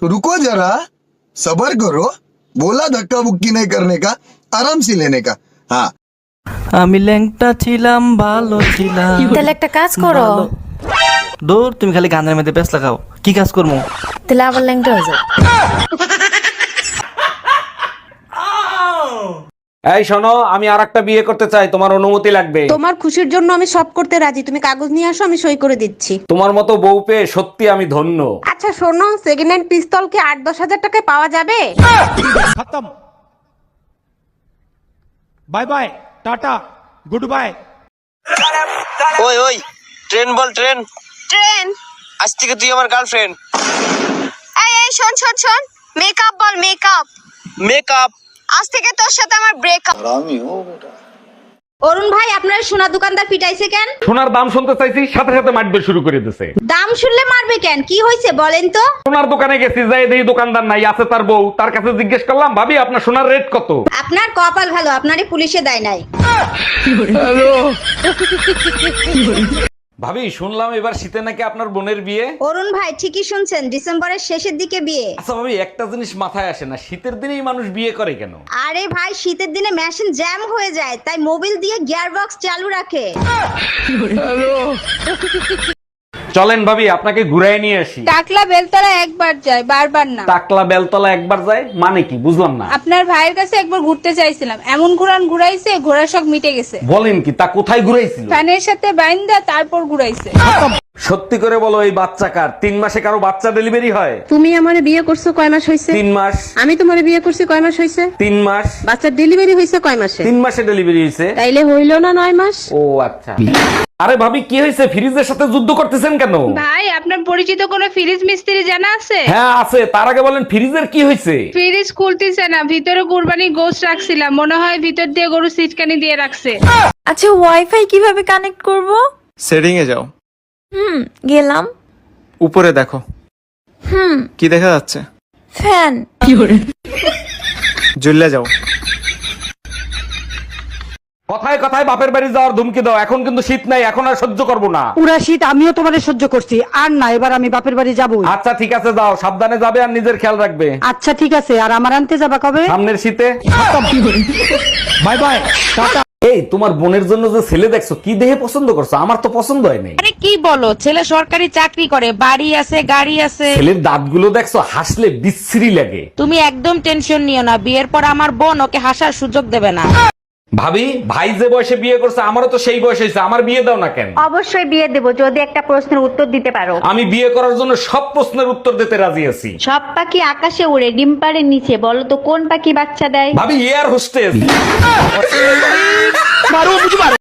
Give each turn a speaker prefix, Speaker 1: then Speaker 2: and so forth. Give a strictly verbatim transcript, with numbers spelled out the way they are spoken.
Speaker 1: रुको जरा, सबर करो, बोला धक्का बुक्की नहीं करने का, आराम से लेने का। हाँ
Speaker 2: আমি ল্যাংটা ছিলাম ভালো ছিলাম।
Speaker 3: তাহলে একটা কাজ করো,
Speaker 2: দূর তুমি খালি গানের মধ্যে ব্যস্ত লাগাও, কি কাজ করবো?
Speaker 3: তাহলে আবার ল্যাংটা হয়ে যাও।
Speaker 4: এই শোনো, আমি আর একটা বিয়ে করতে চাই, তোমার অনুমতি লাগবে।
Speaker 5: তোমার খুশির জন্য আমি সব করতে রাজি, তুমি কাগজ নিয়ে আসো, আমি সই করে দিচ্ছি।
Speaker 4: তোমার মতো বউ পেয়ে সত্যি আমি ধন্য।
Speaker 5: আচ্ছা শোনো, সেকেন্ড হ্যান্ড পিস্তল কি আট দশ হাজার টাকায় পাওয়া যাবে?
Speaker 6: खत्म। Bye bye, tata, goodbye.
Speaker 7: ওই ওই ট্রেন বল, ট্রেন
Speaker 8: ট্রেন।
Speaker 7: আজ থেকে তুই আমার গার্লফ্রেন্ড।
Speaker 8: এই এই শোন শোন শোন, মেকআপ বল, মেকআপ।
Speaker 7: মেকআপ
Speaker 8: আজ থেকে তোর সাথে আমার ব্রেকআপ।
Speaker 5: অরুণ ভাই, আপনার সোনা দোকানদার পিটাইছে কেন?
Speaker 4: সোনার দাম শুনতে চাইছি, সাথে সাথে মারবে শুরু করে দিছে।
Speaker 5: দাম শুনলে মারবে কেন? কি হয়েছে বলেন তো?
Speaker 4: সোনার দোকানে গেছি, যাই দেখি দোকানদার নাই, আছে তার বউ। তার কাছে জিজ্ঞেস করলাম, ভাবি আপনার সোনার রেট কত?
Speaker 5: আপনার কপাল ভালো, আপনারই পুলিশে দেয় নাই।
Speaker 4: ভাবি শুনলাম এবার শীতে নাকি আপনার বোনের বিয়ে।
Speaker 5: অরুণ ভাই ঠিকই শুনছেন, ডিসেম্বরের শেষের দিকে বিয়ে।
Speaker 4: আচ্ছা ভাবি, একটা জিনিস মাথায় আসে না, শীতের দিনেই মানুষ বিয়ে করে কেন?
Speaker 5: আরে ভাই, শীতের দিনে মেশিন জ্যাম হয়ে যায়, তাই মোবিল দিয়ে গিয়ার বক্স চালু রাখে।
Speaker 4: চলেন ভাবি, আপনাকে ঘুরাই নিয়ে আসি।
Speaker 9: টাকলা বেলতলা একবার যায়, বারবার না।
Speaker 4: টাকলা বেলতলা একবার যায় মানে কি, বুঝলাম না।
Speaker 9: আপনার ভাইয়ের কাছে একবার ঘুরতে চাইছিলাম, এমন ঘুরান ঘুরাইছে, ঘোড়ার শখ মিটে গেছে।
Speaker 4: বলেন কি, তা কোথায় ঘুরাইছিল?
Speaker 9: ফ্যানের সাথে বাইন্দা তারপর ঘুরাইছে।
Speaker 4: সত্যি করে বলো, এই বাচ্চা কার? তিন মাসে কারো বাচ্চা ডেলিভারি হয়?
Speaker 5: তুমি আমারে বিয়ে করছো কয় মাস হয়েছে?
Speaker 4: তিন মাস।
Speaker 5: আমি তোমারে বিয়ে করছি কয় মাস হয়েছে?
Speaker 4: তিন মাস।
Speaker 5: বাচ্চার ডেলিভারি হয়েছে কয় মাসে?
Speaker 4: তিন মাসে ডেলিভারি হয়েছে।
Speaker 5: তাইলে হইলো না নয় মাস?
Speaker 4: ও আচ্ছা। আরে ভাবি, কি হয়েছে? ফ্রিজের সাথে যুদ্ধ করতেছেন কেন?
Speaker 9: ভাই, আপনার পরিচিত কোনো ফ্রিজ মিস্ত্রি জানা আছে?
Speaker 4: হ্যাঁ আছে, তার আগে বলেন ফ্রিজের কি হয়েছে?
Speaker 9: ফ্রিজ খুলতেছে না, ভিতরে কুরবানি গোশত রাখছিলাম, মনে হয় ভিতর দিয়ে গরু সিটকানি দিয়ে রাখছে।
Speaker 3: আচ্ছা, ওয়াইফাই কিভাবে কানেক্ট করব?
Speaker 10: সেটিং এ যাও।
Speaker 3: হুম, গেলাম।
Speaker 10: উপরে দেখো।
Speaker 3: হুম,
Speaker 10: কি দেখা যাচ্ছে?
Speaker 3: ফ্যান।
Speaker 10: জ্বলে যাও।
Speaker 4: কথায় কথায় বাপের বাড়ি যাওয়ার ধুমকি দাও, এখন কিন্তু শীত নাই, এখন আর সহ্য করবো না।
Speaker 11: পুরা শীত আমিও তোমারে সহ্য করছি, আর না, এবার আমি বাপের বাড়ি যাবো।
Speaker 4: আচ্ছা ঠিক আছে, যাও, সাবধানে যাবে আর নিজের খেয়াল রাখবে।
Speaker 11: আচ্ছা ঠিক আছে, আর আমার আনতে যাবা কবে?
Speaker 4: সামনের শীতে।
Speaker 6: Bye bye, tata.
Speaker 4: এই তোমার বোনের জন্য যে ছেলে দেখছো, কি দেখে পছন্দ করছো? আমার তো পছন্দ হয় নাই।
Speaker 5: আরে কি বলো, ছেলে সরকারি চাকরি করে, বাড়ি আছে, গাড়ি আছে।
Speaker 4: ছেলের দাঁতগুলো দেখছো, হাসলে বিশ্রী লাগে।
Speaker 5: তুমি একদম টেনশন নিও না, বিয়ের পর আমার বোন ওকে হাসার সুযোগ দেবে না।
Speaker 4: ভাবি, ভাই যে বয়সে বিয়ে করছে, আমারও তো সেই বয়স হয়েছে, আমার বিয়ে দাও না কেন?
Speaker 5: অবশ্যই বিয়ে দেবো, যদি একটা প্রশ্নের উত্তর দিতে পারো।
Speaker 4: আমি বিয়ে করার জন্য সব প্রশ্নের উত্তর দিতে রাজি আছি।
Speaker 5: সব পাখি আকাশে উড়ে, ডিম পাড়ের নিচে, বলো তো কোন পাখি বাচ্চা দেয়?
Speaker 4: ভাবি, এয়ার হোস্টেস।